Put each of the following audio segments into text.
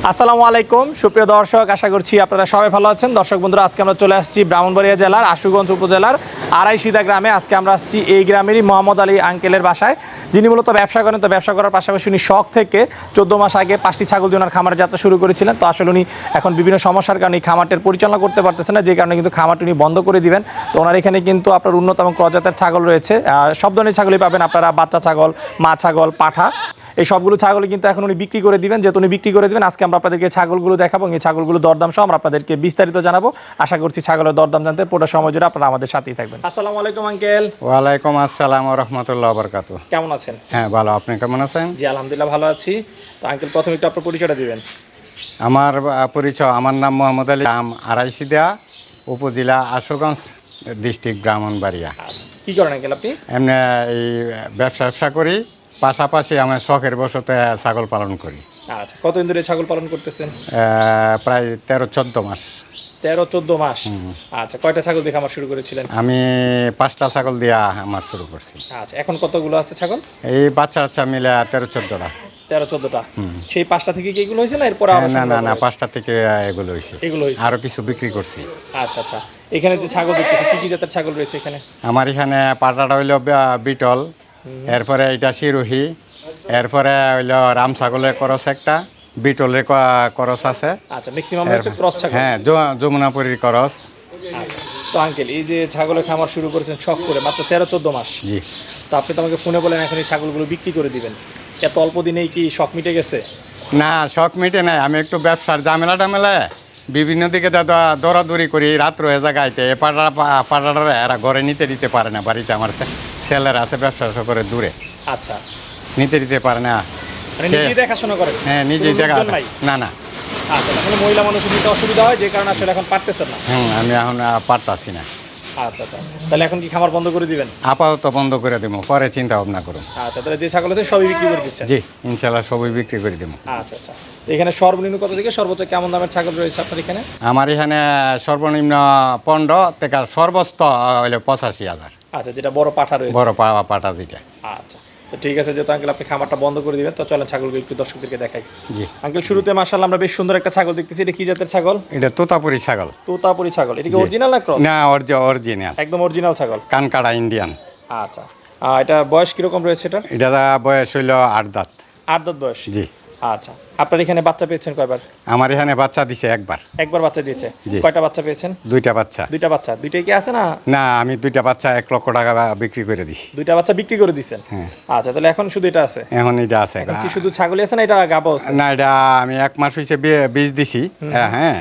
আসসালামু আলাইকুম সুপ্রিয় দর্শক, আশা করছি আপনারা সবাই ভালো আছেন। দর্শক বন্ধুরা, আজকে আমরা চলে আসছি ব্রাহ্মণবাড়িয়া জেলার আশুগঞ্জ উপজেলার আড়াইশিদা গ্রামে। আজকে আমরা আসছি এই গ্রামেরই মোহাম্মদ আলী আঙ্কেলের বাসায়, যিনি মূলত ব্যবসা করেন। তো ব্যবসা করার পাশাপাশি উনি শখ থেকে 14 মাস আগে 5টি ছাগল দিয়ে ওনার খামারের যাত্রা শুরু করেছিলেন। তো আসলে উনি এখন বিভিন্ন সমস্যার কারণে এই খামারটার পরিচালনা করতে পারতেছেন না, যে কারণে কিন্তু খামারটি উনি বন্ধ করে দিবেন। তো ওনার এখানে কিন্তু আপনার উন্নত এবং প্রজাতের ছাগল রয়েছে, সব ধরনের ছাগলই পাবেন আপনারা, বাচ্চা ছাগল, মা ছাগল, পাঠা, এই সবগুলো ছাগল কিন্তু এখন উনি বিক্রি করে দিবেন। যেহেতু উনি বিক্রি করে দিবেন, আজকে আমরা আপনাদেরকে ছাগলগুলো দেখাবো, এই ছাগলগুলো দরদাম সহ আমরা আপনাদেরকে বিস্তারিত জানাবো। আশা করছি ছাগলের দরদাম জানতে পুরো সময় জুড়ে আপনারা আমাদের সাথেই থাকবেন। আসসালামু আলাইকুম আঙ্কেল। ওয়ালাইকুম আসসালাম ওয়া রাহমাতুল্লাহি ওয়া বারাকাতুহু। কেমন আছেন? হ্যাঁ ভালো, আপনি কেমন আছেন? জি আলহামদুলিল্লাহ ভালো আছি। তো আঙ্কেল, প্রথমে একটু আপনার পরিচয়টা দিবেন। আমার পরিচয়, আমার নাম মোহাম্মদ আলী, গ্রাম আড়াইশিদা, উপজেলা আশুগঞ্জ, ডিস্ট্রিক্ট ব্রাহ্মণবাড়িয়া। আচ্ছা, কি করেন আঙ্কেল আপনি? এমনি এই ব্যবসা করি, পাশাপাশি আমার শখের বশতে ছাগল পালন করি। আচ্ছা, কতদিন ধরে ছাগল পালন করতেছেন? প্রায় 13-14 মাস। 13-14 মাস। আচ্ছা, কয়টা ছাগল দিয়ে খামার শুরু করেছিলেন? আমি 5টা ছাগল দিয়া আমার শুরু করছি। আচ্ছা, এখন কতগুলো আছে ছাগল? এই বাচ্চা মিলে 13-14টা। 13-14টা। সেই 5টা থেকে কি এগুলো হয়েছে না এরপর? না 5টা থেকে এগুলো হয়েছে, আরো কিছু বিক্রি করছি। আচ্ছা আচ্ছা, এখানে যে ছাগল দেখতেছি, কি কি জাতের ছাগল রয়েছে এখানে? আমার এখানে পাটাটা হইল বিটল, এরপরে এটা শিরোহী, এরপরে হইল রাম ছাগলের করস একটা, বিটলের করস আছে। আচ্ছা, ম্যাক্সিমাম হচ্ছে ক্রস ছাগল। হ্যাঁ, যমুনাপুরীর করস। আচ্ছা, তো আঙ্কেল, এই যে ছাগলের খামার শুরু করেছেন শখ করে মাত্র 13-14 মাস, জি। তো আপনি তো আমাকে ফোনে বলেন এখন এই ছাগলগুলো বিক্রি করে দিবেন, এত অল্প দিনেই কি শখ মিটে গেছে? না, শখ মিটে নাই, আমি একটু ব্যবসার ঝামেলায় বিভিন্ন দিকে দৌড়াদৌড়ি করি, রাত রয়ে জায়গাইতে পাড়াটা এরা ঘরে নিতে পারে না। বাড়িতে আমার ছেলেরা আছে ব্যবসা করে দূরে। আচ্ছা, নিতে পারে না। মানে নিজেই দেখাশোনা করেন? হ্যাঁ, নিজেই দেখা। না। আচ্ছা, তাহলে মহিলা মানুষের নিতে অসুবিধা হয়, যে কারণে আসলে এখন পারতেছেন না। আমি এখন পারতাছি না। আচ্ছা আচ্ছা, তাহলে এখন কি খামার বন্ধ করে দিবেন? আপাতত বন্ধ করে দেবো, পরে চিন্তা ভাবনা করুন। আচ্ছা, তাহলে যে ছাগল আছে সবই বিক্রি করে দিচ্ছেন? জি, ইনশাল্লাহ সবই বিক্রি করে দেবো। আচ্ছা আচ্ছা, তো এখানে সর্বনিম্ন কত থেকে সর্বোচ্চ কেমন দামের ছাগল রয়েছে আপনার এখানে? আমার এখানে সর্বনিম্ন 15 থেকে সর্বোচ্চ হইলে 85,000। আচ্ছা, যেটা বড় পাঠা রয়েছে? বড় পাটা যেটা। আচ্ছা, তো ঠিক আছে, যেহেতু আঙ্কেল আপনি খামারটা বন্ধ করে দিবেন, তো চলেন ছাগলগুলো একটু দর্শকদেরকে দেখাই। জি আঙ্কেল, শুরুতে মাশাআল্লাহ আমরা বেশ সুন্দর একটা ছাগল দেখতেছি। এটা কি জাতের ছাগল? এটা তোতাপুরি ছাগল। তোতাপুরি ছাগল। এটা কি অরিজিনাল না ক্রস? না, অরিজিনাল, একদম অরিজিনাল ছাগল, কানকাড়া ইন্ডিয়ান। আচ্ছা, এটা বয়স কিরকম রয়েছে এটা? এটা বয়স হইল 8 দাঁত। 8 দাঁত বয়স? জি। আচ্ছা, আপনার এখানে বাচ্চা পেয়েছেন কয়বার? আমার এখানে বাচ্চা দিছে একবার। একবার বাচ্চা দিয়েছে? জি। কয়টা বাচ্চা পেয়েছেন? 2টা বাচ্চা। 2টা বাচ্চা? 2টাই কি আছে না? না, আমি 2টা বাচ্চা 1 লক্ষ টাকা বিক্রি করে দিছি। 2টা বাচ্চা বিক্রি করে দিয়েছেন? হ্যাঁ। আচ্ছা, তাহলে এখন শুধু এটা আছে? এখন এটা আছে। এখন কি শুধু ছাগলই আছে না এটা গাবও আছে? না, এটা আমি 1 মাস হয়েছে বীজ দিছি। হ্যাঁ,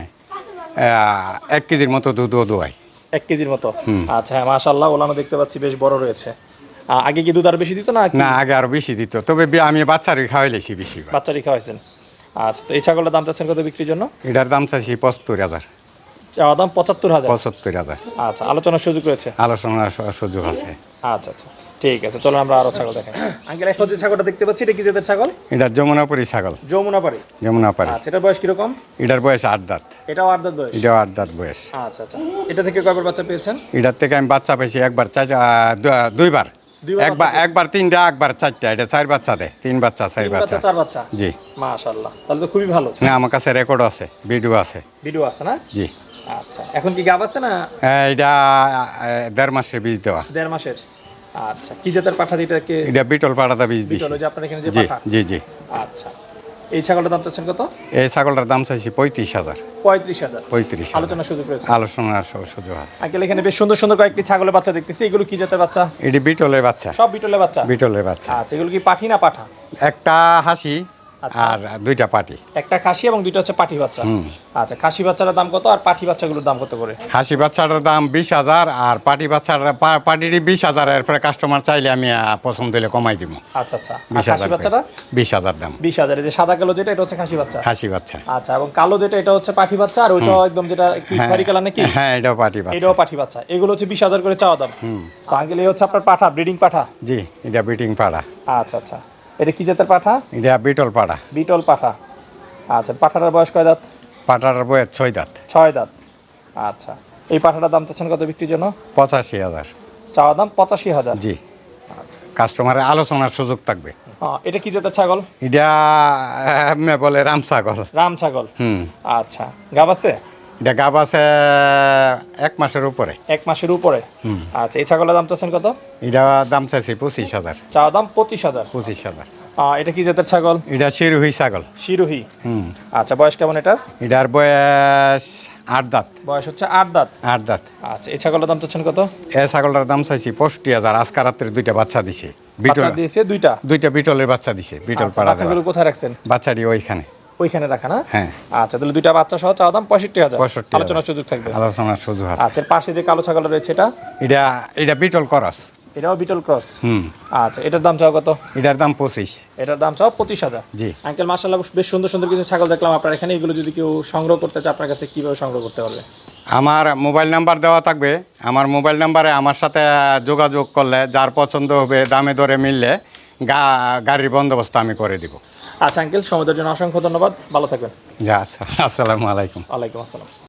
1 কেজির মতো দুধও দোয়াই। 1 কেজির মতো? আচ্ছা, হ্যাঁ মাশাআল্লাহ, ওলানো দেখতে পাচ্ছি বেশ বড় রয়েছে। আগে কি দুধ আর বেশি দিত না? না, আগে আরো বেশি দিত, তবে আমি বাচ্চারই খাওয়াইলেছি বেশি। বাচ্চারই খাওয়াইছেন? আচ্ছা, তো এই ছাগলের দাম চাচ্ছেন কত বিক্রির জন্য? এটার দাম চাইছি 75,000। চাওয়া দাম 75,000? 75,000। আচ্ছা, আলোচনার সুযোগ রয়েছে? আলোচনার সুযোগ আছে। আচ্ছা আচ্ছা, ঠিক আছে, চলো আমরা আরো ছাগল দেখাই। আঙ্কেল, এখন যে ছাগলটা দেখতে পাচ্ছি, এটা কি জাতের ছাগল? এটা যমুনাপুরি ছাগল। যমুনাপাড়ি? যমুনাপাড়ি। আচ্ছা, এটার বয়স কিরকম? এটার বয়স 8 দাঁত। এটাও 8 দাঁত বয়স? এটাও 8 দাঁত বয়স। আচ্ছা আচ্ছা, এটা থেকে কয়বার বাচ্চা পেয়েছেন? এটার থেকে আমি বাচ্চা পেয়েছি একবার, দুইবার। একবার 3টা, একবার 4টা। এটা 4 বাচ্চা দেয়, 3 বাচ্চা 4 বাচ্চা। 4 বাচ্চা? জি। মাশাআল্লাহ, তাহলে তো খুবই ভালো। না, আমার কাছে রেকর্ড আছে, ভিডিও আছে। ভিডিও আছে না? জি। আচ্ছা, এখন কি গাব আছে না? এটা 1.5 মাসের বীজ দেওয়া। 1.5 মাসের? আচ্ছা, কি জাতের পাঠা এটাকে? এটা বিটল পাড়াটা বীজ দিছি। বিটল, যে আপনার এখানে যে জি পাঠা? জি জি। আচ্ছা, এই ছাগলটার দাম চাচ্ছেন কত? এই ছাগলটার দাম চাইছি 35,000। 35,000? 35,000। আলোচনার সুযোগ রয়েছে? আলোচনার সুযোগ আছে। আঙ্কেল, এখানে বেশ সুন্দর সুন্দর কয়েকটি ছাগলের বাচ্চা দেখতেছি, এগুলো কি জাতের বাচ্চা? এটি বিটলের বাচ্চা। সব বিটলের বাচ্চা? বিটলের বাচ্চা। আচ্ছা, এগুলো কি পাঠি না পাঠা? একটা হাসি আর 2টা পাটি। একটা খাসি এবং 2টা হচ্ছে পাঠি বাচ্চা? আচ্ছা, খাসি বাচ্চাটার দাম কত আর পাঠি বাচ্চাগুলোর দাম কত করে? হাসি বাচ্চাটার দাম 20,000 আর পাটি বাচ্চার পাটিরই 20,000। এরপরে কাস্টমার চাইলে আমি পছন্দ হলে কমাই দিব। আচ্ছা আচ্ছা, আর খাসি বাচ্চাটা? 20,000 দাম। 20,000। এই যে সাদা কালো যেটা, এটা হচ্ছে খাসি বাচ্চা? হাসি বাচ্চা। আচ্ছা, এবং কালো যেটা, এটা হচ্ছে পাঠি বাচ্চা, আর ওইটা একদম যেটা কি খয়েরি কালার নাকি? হ্যাঁ, এটাও পাটি বাচ্চা। এটাও পাঠি বাচ্চা। এগুলো হচ্ছে 20,000 করে চাওয়া দাম। তো আঙ্কেল, এই হচ্ছে আপনার পাঠা, ব্রিডিং পাঠা? জি, এটা বিটিং পাড়া। আচ্ছা আচ্ছা, এটা কি জাতের পাঠা? এটা বিটল পাড়া। বিটল পাঠা। আচ্ছা, পাঠাটার বয়স কয় দাঁত? পাটার বয়স 6 দাঁত। 6 দাঁত। আচ্ছা, এই পাঠাটার দাম চাচ্ছেন কত বিক্রির জন্য? 85,000। চাওয়া দাম 85,000? জি। আচ্ছা, কাস্টমারের আলোচনার সুযোগ থাকবে। এটা কি জাতের ছাগল? এটা বলে রাম ছাগল। রাম ছাগল। হুম। আচ্ছা, গাব আছে? এটা গাব আছে 1 মাসের উপরে। 1 মাসের উপরে। আচ্ছা, এই ছাগলের দাম চাচ্ছেন কত? এটা দাম চাইছি 25,000। চাওয়া দাম 25,000। 25,000। এটা কি জাতের ছাগল? এটা শিরোহী ছাগল। শিরোহী। হুম। আচ্ছা, বয়স কেমন এটার? এটার বয়স 8 দাঁত। বয়স হচ্ছে 8 দাঁত। 8 দাঁত। আচ্ছা, এই ছাগলের দাম চাচ্ছেন কত? এই ছাগলটার দাম চাইছি 65,000। আজকে রাত্রে 2টা বাচ্চা দিছে। বাচ্চা দিয়েছে 2টা। 2টা বিটলের বাচ্চা দিছে। বিটল পাড়া বাচ্চাগুলো কোথায় রাখছেন? বাচ্চাটি ওইখানে। ওইখানে রাখা না? হ্যাঁ। আচ্ছা, তাহলে 2টা বাচ্চা সহ চাওয়া দাম 65,000। 65,000। আলোচনার সুযোগ থাকবে। আলোচনার সুযোগ আছে। আচ্ছা, এর পাশে যে কালো ছাগল রয়েছে এটা? এটা বিটল করস। এটাও বিটল ক্রস। হুম। আচ্ছা, এটার দাম চাও কত? এটার দাম 25। এটার দাম চাও 25,000। জি। আঙ্কেল, মাশাআল্লাহ বেশ সুন্দর সুন্দর কিছু ছাগল দেখলাম আপনার এখানে। এগুলো যদি কেউ সংগ্রহ করতে চায় আপনার কাছে কিভাবে সংগ্রহ করতে পারবে? আমার মোবাইল নাম্বার দেওয়া থাকবে। আমার মোবাইল নাম্বারে আমার সাথে যোগাযোগ করলে যার পছন্দ হবে, দামে দরে মিললে গাড়ির বন্দোবস্ত আমি করে দিব। আচ্ছা আঙ্কেল, সময়ের জন্য অসংখ্য ধন্যবাদ। ভালো থাকবেন। যা আচ্ছা, আসসালামু আলাইকুম। ওয়ালাইকুম আসসালাম।